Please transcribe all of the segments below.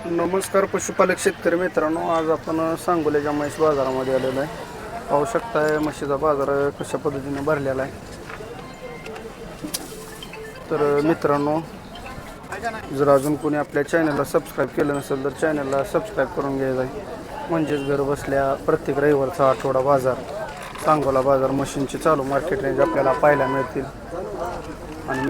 नमस्कार पशुपालक शेतकरी मित्रांनो, आज आपण सांगोल्याच्या म्हैस बाजारामध्ये आलेलो आहे. पाहू शकताय म्हशीचा बाजार कशा पद्धतीने भरलेला आहे. तर मित्रांनो, जर अजून कोणी आपल्या चॅनलला सबस्क्राईब केलं नसेल तर चॅनलला सबस्क्राईब करून घ्यायचं आहे. म्हणजेच घर बसल्या प्रत्येक रविवारचा आठवडा बाजार, सांगोला बाजार मशीनची चालू मार्केट रेंज आपल्याला पाहायला मिळतील. आणि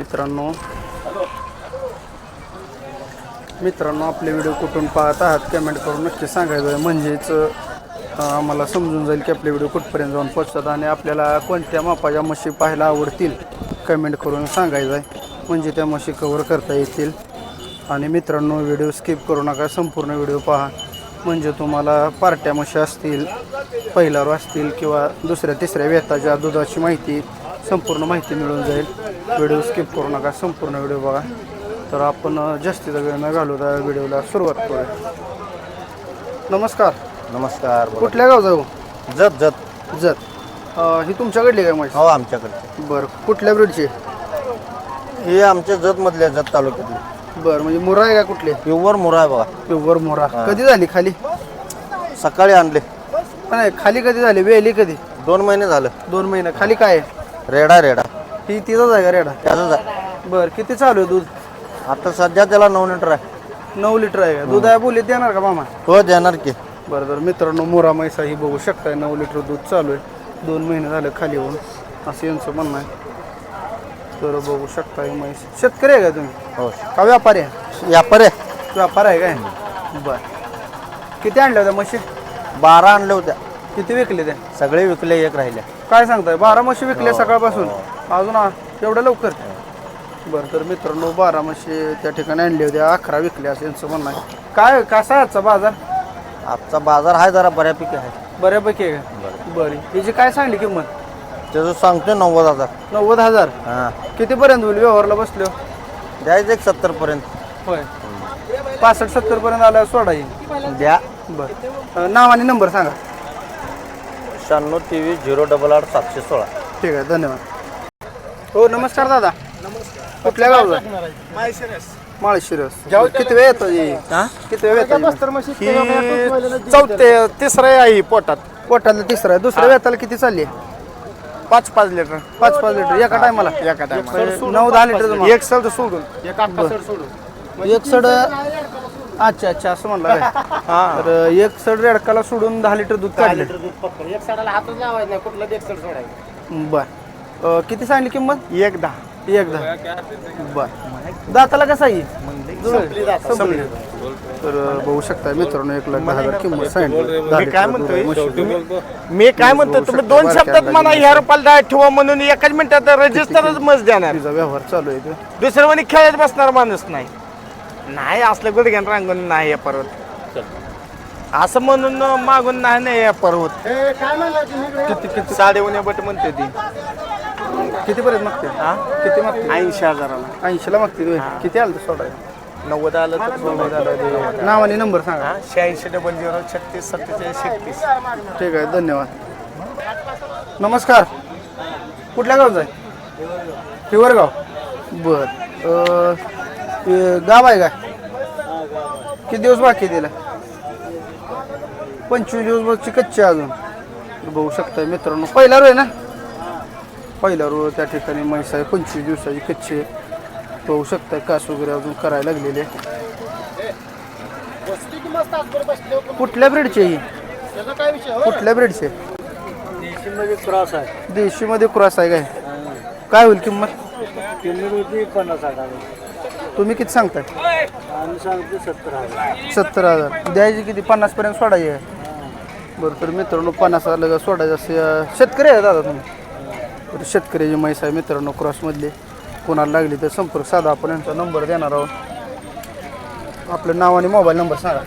मित्रांनो आपले व्हिडिओ कुठून पाहत आहात कमेंट करून नक्की सांगायचं आहे. म्हणजेच आम्हाला समजून जाईल की आपले व्हिडिओ कुठपर्यंत जाऊन पोहोचतात आणि आपल्याला कोणत्या मापाच्या म्हशी पाहायला आवडतील कमेंट करून सांगायचं आहे. म्हणजे त्या म्हशी कव्हर करता येतील. आणि मित्रांनो, व्हिडिओ स्किप करू नका, संपूर्ण व्हिडिओ पहा. म्हणजे तुम्हाला पार्ट्या म्हशी असतील, पहिल्यावर असतील किंवा दुसऱ्या तिसऱ्या वेताच्या दुधाची माहिती, संपूर्ण माहिती मिळून जाईल. व्हिडिओ स्किप करू नका, संपूर्ण व्हिडिओ बघा. तर आपण जास्तीचा वेळ न घालवता व्हिडिओला सुरुवात करूया. नमस्कार. नमस्कार. कुठल्या गाव जाऊ? जत जत जत. ही तुमच्याकडली काय म्हैस? हो, आमच्याकडे. बरं, कुठल्या ब्रीडची? हे आमच्या जत मधल्या जत तालुक्यातली. बरं, म्हणजे मुरा आहे का कुठली? प्युअर मुरा आहे बघा. प्युअर मुरा. कधी झाली खाली? सकाळी आणले. नाही, खाली कधी झाली? वेली कधी? 2 महिने झालं. 2 महिने. खाली काय आहे? रेडा रेडा. ही तिचाच आहे का रेडा? त्याचंच आहे. बरं, किती चालू आहे दूध? आता सध्या त्याला 9 लिटर आहे. 9 लिटर आहे का दूध? आहे बोलीत देणार का मामा? हो, देणार की. बरं. तर मित्रांनो, मुरा म्हैसा ही बघू शकताय, 9 लिटर दूध चालू आहे. 2 महिने झाले खाली होऊन, असं यांचं म्हणणं आहे. तर बघू शकता ही म्हैस. शेतकरी आहे का तुम्ही? हो. का व्यापारी आहे? व्यापार आहे. व्यापार आहे काय? बरं. किती आणल्या होत्या म्हशी? 12 आणल्या होत्या. किती विकले त्या? सगळे विकले, एक राहिले. काय सांगताय? 12 म्हशी विकल्या सकाळपासून? अजून एवढं लवकर? बरं. तर मित्रांनो, 12 म्हशी त्या ठिकाणी आणल्या होत्या, 11 विकल्या असं यांचं म्हणणं आहे. काय कसा आहे आजचा बाजार? आजचा बाजार आहे जरा बऱ्यापैकी आहे. बऱ्यापैकी आहे का? बरं. हिची काय सांगली किंमत? त्याचं सांगतो 90,000. 90,000. हां. कितीपर्यंत होईल व्यवहारला बसलो? द्यायचं एक 70 पर्यंत. होय. 65-70 पर्यंत आल्यावर सोडा येईल. द्या. बरं. नाव आणि नंबर सांगा. 96 23 088 716. ठीक आहे, धन्यवाद. हो, नमस्कार दादा. कुठल्या गावचा? माळशिरस. किती वेळ येतो? किती वेळ येतो? तिसरं आहे पोटात. पोटाला तिसरा आहे. दुसऱ्या वेताला किती चालली? 5-5 लिटर. 5-5 लिटर एका टायमाला? एका टायमाला 9-10 लिटर. एक सड सोडून एक आत्ता सड सोडून एक सड. अच्छा, असं म्हणलं काय? तर एक सड रेडकाला सोडून 10 लिटर दूध काढलं. एक सडाला हातच लावायचं नाही, कुठलं एक सड सोडायचं. बर. किती सांगली किंमत? 1-10. 1-10. बर. दाताला कसा येईल? संपली. तर बघू शकता मित्रांनो, 1,10,000 किंमत सांगितली. मी काय म्हणतो, तुम्ही 2 शब्दात मला ह्या रुपयाला ठेवा म्हणून एकाच मिनिटात रजिस्टरच मस्त देणार. तिचा व्यवहार चालू आहे. दुसरं म्हणे खेळत बसणार माणूस नाही असलं गुडघ्यान रांगून नाही या पर्वत असं म्हणून मागून नाही या पर्वत. किती 9.5 बट म्हणते ती. कितीपर्यंत मागते? किती मागते? 80,000. 80ला मागते. किती आलं तर सोडा? 90 आलं तर 90 आलं. नाव आणि नंबर सांगा. 86 00 36 47 31. ठीक आहे, धन्यवाद. नमस्कार. कुठल्या गावचा आहे? हिवरगाव. बर. गाव आहे काय? किती दिवस बाकी आहे तिला? 25 दिवस बाकी कच्चे अजून. बघू शकता मित्रांनो, पहिला रो आहे ना? पहिला रो त्या ठिकाणी म्हैस आहे, 25 दिवसाची कच्ची आहे. बघू शकता कास वगैरे अजून करायला लागलेले. कुठल्या ब्रीडचे ही? कुठल्या ब्रीडचे? देशीमध्ये क्रॉस आहे. देशीमध्ये क्रॉस आहे काय? काय होईल किंमत? किंमत होती 50,000. तुम्ही किती सांगताय? आम्ही सांगतो 70,000. 70,000. द्यायची किती? 50 पर्यंत सोडायची आहे. बरं. तर मित्रांनो, 50,000 सोडायचं असं. शेतकरी आहे दादा तुम्ही? तर शेतकऱ्याची म्हैस आहे मित्रांनो, क्रॉसमधली. कोणाला लागली तर संपर्क साधा, आपण यांचा नंबर देणार आहोत. आपलं नाव आणि मोबाईल नंबर सांगा.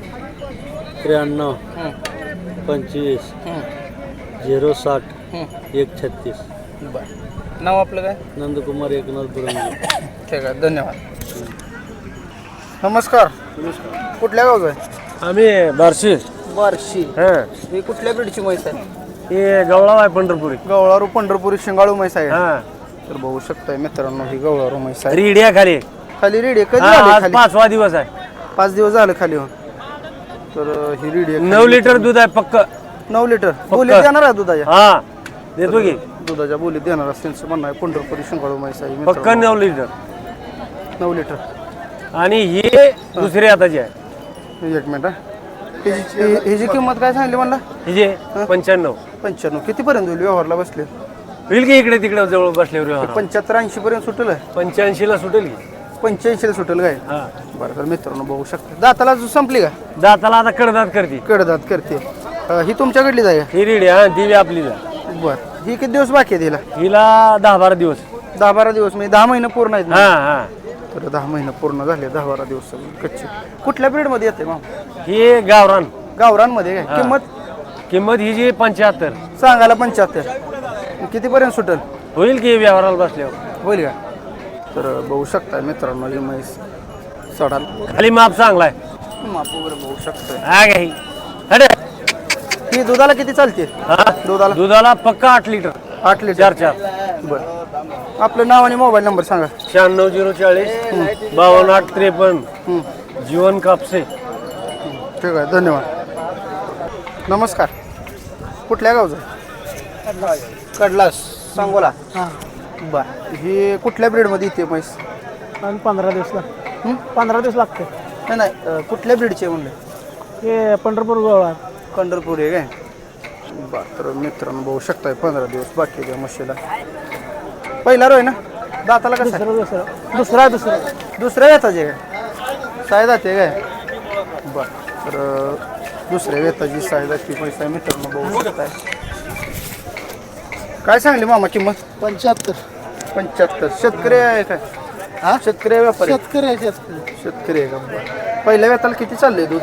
93 25 060 136. बरं. नाव आपलं काय? नंदकुमार एकनाथ बुरंगी. ठीक आहे, धन्यवाद. नमस्कार. कुठल्या गावचं आहे? आम्ही बार्शी. बार्शी. हां. ही कुठल्या ब्रीडची म्हैस आहे? हे गवळाव आहे पंढरपुरी. गवळारू पंढरपुरी शिंगाळू म्हैस आहे. हां. तर बघू शकताय मित्रांनो, ही गवळारू म्हैस आहे. रीड्या खाली. खाली रेडी कधी आज आली खाली? 5वा दिवस आहे. 5 दिवस झालं खाली होऊन. तर ही रेडी आहे. 9 लिटर दूध आहे पक्क. 9 लिटर बोलीत देणार आहे दुधाच्या. हा देतो की दुधाच्या बोलीत देणार असं त्यांचं म्हणणं आहे. पंढरपुरी शिंगाळू म्हैस आहे पक्क मित्रांनो. 9 लिटर. 9 लिटर. आणि ही दुसरी हाताची आहे. एक मिनिट हा. ह्याची किंमत काय सांगली म्हणला? हिजे 95. 95. कितीपर्यंत होईल व्यवहारला बसले? होईल की इकडे तिकडे जवळ बसल्यावर व्यवहार. 75-80 पर्यंत सुटेल. 85 ला सुटेल की. 85 ला सुटेल काय? हा बरं तर मित्रांनो बघू शकता. दाताला संपली का? दाताला आता कडदात करते. कडदात करते. ही तुमच्याकडली जाय. ही रेडी हा ती बी आपली जा. बरं ही किती दिवस बाकी आहे तिला? हिला 10-12 दिवस. 10-12 दिवस म्हणजे 10 महिने पूर्ण आहेत. हा हा तर 10 महिने पूर्ण झाले. 10-12 दिवस कच्चे. कुठल्या ब्रीड मध्ये येते मामा? ही गावरान. गावरानमध्ये काय किंमत? किंमत ही जी 75. सांगायला 75. कितीपर्यंत सुटेल? होईल की व्यवहाराला बसल्यावर. होईल का? तर बघू शकता मित्रांनो ही म्हैस चढाल. खाली माप चांगलाय. माप वगैरे बघू शकता. हा का ही अरे ही दुधाला किती चालते? हा दुधाला दुधाला पक्का 8 लिटर. 8 लिटर. 4. बरं आपलं नाव आणि मोबाईल नंबर सांगा. 96 040 52 जीवन कापसे. ठीक आहे धन्यवाद. नमस्कार. कुठल्या गावचं? कडलास सांगोला. बर ही कुठल्या ब्रीडमध्ये येते म्हैस? 15 दिवस लागते. 15 दिवस लागते. नाही नाही कुठल्या ब्रीडचे म्हणले? हे पंढरपूर गोळा. पंढरपूर आहे काय? बरं तर मित्रांनो बघू शकताय 15 दिवस बाकी आहे त्या म्हशीला. पहिला रोय ना दाताला कसं आहे? दुसरा दुसऱ्या वेताचे काय साय जाते काय? बरं तर दुसऱ्या वेताची साय जाते पैसा आहे मित्रांनो बघू शकताय. काय सांगली मामा किंमत? 75. शेतकरी आहे काय? हा शेतकरी आहे व्यापारी? शेतकरी आहे का? बरं पहिल्या वेताला किती चाललंय दूध?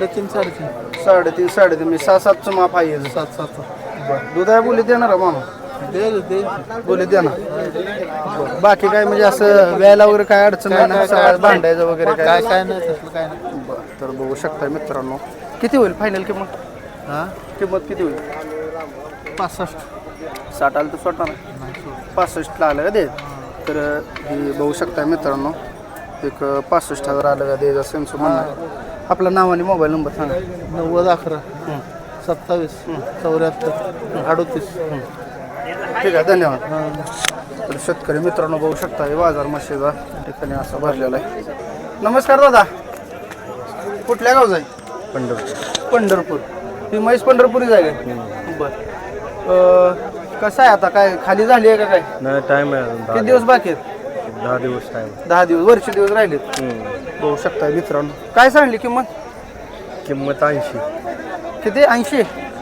3.5 मी 6-7चं माप आहे. 7-7. बरं दूध आहे बोली देणार आहे मामा? बोली देणार. बरं बाकी काय म्हणजे असं व्यायला वगैरे काय अडचण नाही ना? सगळं भांडायचं वगैरे काय नाही. बरं तर बघू शकता मित्रांनो. किती होईल फायनल किंमत? किंमत किती होईल? 65. 60 आलं तर सोडणार नाही. 65 ला आलं का दे. तर ही बघू शकता मित्रांनो एक 65,000 आलं का दे असं म्हणणं आहे. आपलं नाव आणि मोबाईल नंबर सांगा. 90 11 27 74 38. ठीक आहे धन्यवाद. तर शेतकरी मित्रांनो बघू शकता हे बाजार म्हशीचा ठिकाणी असा भरलेला आहे. नमस्कार दादा. कुठल्या गावचा आहे? पंढरपूर. ही म्हैस पंढरपुरी जागा आहे. बरं कसं आहे आता काय खाली झाली आहे का काय? नाही टाइम आहे अजून. किती दिवस बाकी आहेत? 10 दिवस टाइम. 10 दिवस वरचे दिवस राहिलेत. बघू शकता मित्रांनो. काय सांगली किंमत? किंमत 80. किती? 80.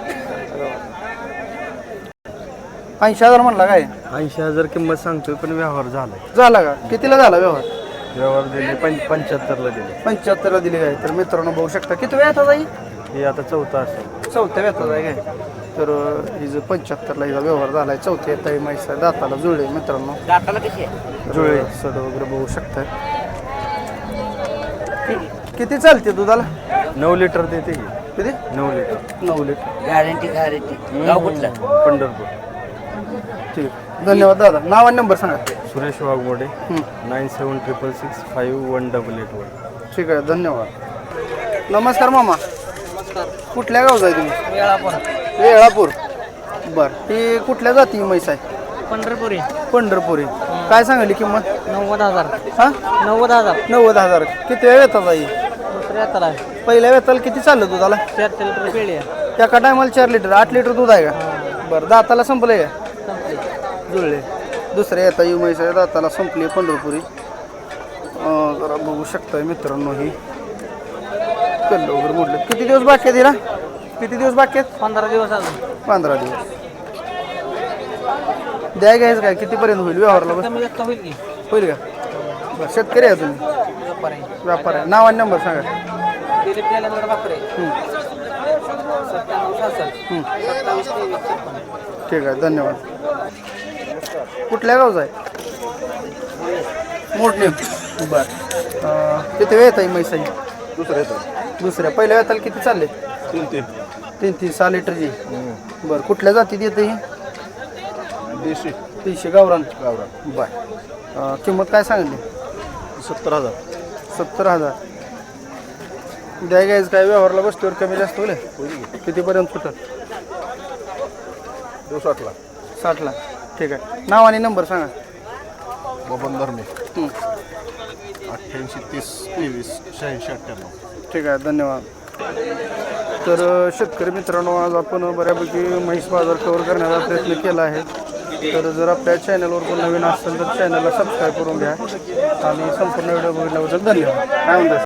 80,000 म्हणला काय? 80,000 किंमत सांगतोय पण व्यवहार झालाय. झाला का? कितीला झाला व्यवहार? व्यवहार दिले 75ला दिले. 75ला दिली काय? तर मित्रांनो बघू शकता किती वेळ येतात आई? हे आता 4था असेल. 4थ्या वेतात आहे काय? तर हिचं 75ला हिचा व्यवहार झालाय. 4थ्या येत आहे म्हैस आहे. दाताला जुळले मित्रांनो. दाताला कशी आहे? जुळे सड वगैरे बघू शकताय. किती चालते दुधाला? 9 लिटर देते की. किती? 9 लिटर. 9 लिटर. गॅरंटी गाव कुठलं? पंढरपूर. ठीक धन्यवाद दादा. नाव आणि नंबर सांगा. सुरेश वाघमोडे 9766 5188. ठीक आहे धन्यवाद. नमस्कार मामा. कुठल्या गावचा आहे तुम्ही? वेळापूर. बरं ही कुठल्या जाती म्हैस आहे? पंढरपुरी. पंढरपुरी. काय सांगली किंमत? 90,000. हा 90,000. 90,000. किती वेळ येतात आई? दुसऱ्या हाताला आहे. पहिल्या वेताला किती चाललं दुधाला? 4 लिटर पेढी आहे. एका टायमाला 4 लिटर 8 लिटर दूध आहे का? बरं दाताला संपलंय का? जुळले. दुसऱ्या येता ही म्हैस आहे दाताला संपली पंढरपुरी. जरा बघू शकताय मित्रांनो ही कल्ल वगैरे मोडले. किती दिवस बाकी आहेत हिला? किती दिवस बाकी आहेत? 15 दिवस अजून. 15 दिवस. द्याय घ्यायचं काय कितीपर्यंत होईल व्यवहारला? बस कमी जास्त होईल की? होईल का? बरं शेतकरी आहे तुम्ही? व्यापार आहे. व्यापार आहे. नाव आणि नंबर सांगा. दिलीप गेल्यानंतर वापरे. 97 66 27 23. ठीक आहे धन्यवाद. कुठल्या गावचा आहे? मोठणे. बरं किती वेळ येत आहे म्हैसाई? दुसऱ्या पहिल्या वेताला किती चालले? 3 6 लिटरची. बरं कुठल्या जातीत येते ही? देशी गावरान. बरं किंमत काय सांगितली? 70,000. 70,000. द्या गायज काय व्यवहारला बसल्यावर कमी जास्त होईल कितीपर्यंत सुटल 60ला ठीक आहे. नाव आणि नंबर सांगा. बबन धर्मे हं. 88 30 23 86 98. ठीक आहे धन्यवाद. तर शेतकरी मित्रांनो आज आपण बऱ्यापैकी म्हैस बाजार कव्हर करण्याचा प्रयत्न केला आहे. तर जर आपल्या चॅनलवर कोण नवीन असेल तर चॅनलला सबस्क्राईब करून घ्या आणि संपूर्ण व्हिडिओ बघितल्याबद्दल धन्यवाद. काय म्हणतात